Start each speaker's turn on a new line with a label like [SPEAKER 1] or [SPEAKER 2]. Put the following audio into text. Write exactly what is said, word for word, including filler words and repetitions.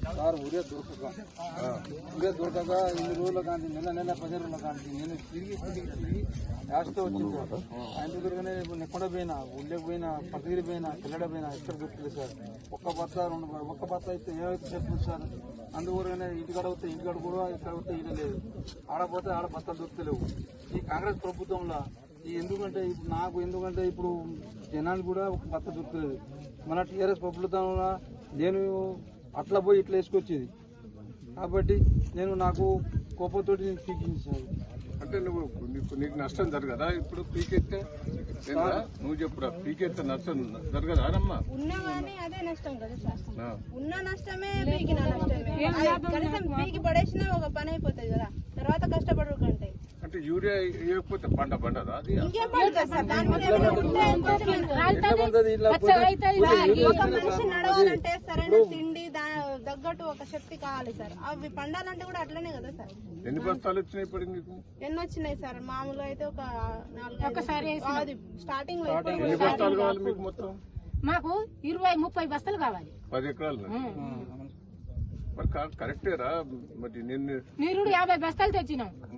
[SPEAKER 1] Sir ఊరే దొరకక ఊరే దొరకక ఇన్ని రోజుల కానీ నెల నెల పది రోజుల కానీ నేను తిరిగి తిరిగి తిరిగి లాస్ట్ వచ్చింది సార్. ఆయన దగ్గరగానే నెక్కడ పోయినా ఊళ్ళకి పోయినా పక్కదిరి పోయినా పిల్లడ పోయినా ఎక్కడ దొరుకుతుంది సార్. ఒక్క బత్త రెండు ఒక్క బత్త అయితే ఏమైతే చెప్తుంది సార్. అందువల్లనే ఇంటికాడ వస్తే ఇంటికాడ కూడా ఇక్కడ వస్తే ఇడ లేదు, ఆడపోతే ఆడ బత్తలు దొరుకుతలేవు. ఈ కాంగ్రెస్ ప్రభుత్వంలో ఈ ఎందుకంటే ఇప్పుడు నాకు ఎందుకంటే ఇప్పుడు జనాలు కూడా ఒక బత్త దొరుకుతలేదు. మన టీఆర్ఎస్ ప్రభుత్వంలో నేను అట్లా పోయి ఇట్లా వేసుకొచ్చేది కాబట్టి నేను నాకు కోపంతో పీకించాను.
[SPEAKER 2] అంటే నువ్వు నీకు నీకు నష్టం జరగదా ఇప్పుడు పీకెత్తే? నువ్వు చెప్పురా, పీకెత్తే నష్టం జరగదా అమ్మా?
[SPEAKER 3] ఉన్నా కానీ అదే నష్టం కదా సార్. ఉన్న నష్టమే పీకిన నష్టమే. కనీసం పీకి పడేసినా ఒక పని అయిపోతుంది కదా, తర్వాత కష్టపడు కంటే.
[SPEAKER 2] అంటే యూరియా వేయకపోతే పంట పండదా? అది
[SPEAKER 3] ఇంకేం పండుతుంది సార్. దాని మీద ఒక మనిషి నడవాలంటే సరైన తిండి తగ్గట్టు ఒక శక్తి కావాలి సార్. అవి పండాలంటే కూడా అట్లనే కదా సార్.
[SPEAKER 2] ఎన్ని బస్తాలు వచ్చినాయి ఇప్పుడు నీకు?
[SPEAKER 3] ఎన్ని వచ్చినాయి సార్? మామూలుగా అయితే ఒక నాలుగు స్టార్టింగ్ లో.
[SPEAKER 2] ఎన్ని బస్తాలు కావాలి మీకు మొత్తం?
[SPEAKER 4] మాకు ఇరవై ముప్పై బస్తాలు కావాలి.
[SPEAKER 2] పది ఎకరాలు మరి కరెక్టేరా? మరి నిన్ను
[SPEAKER 4] నీరుడు యాభై బస్తాలు తెచ్చినాం.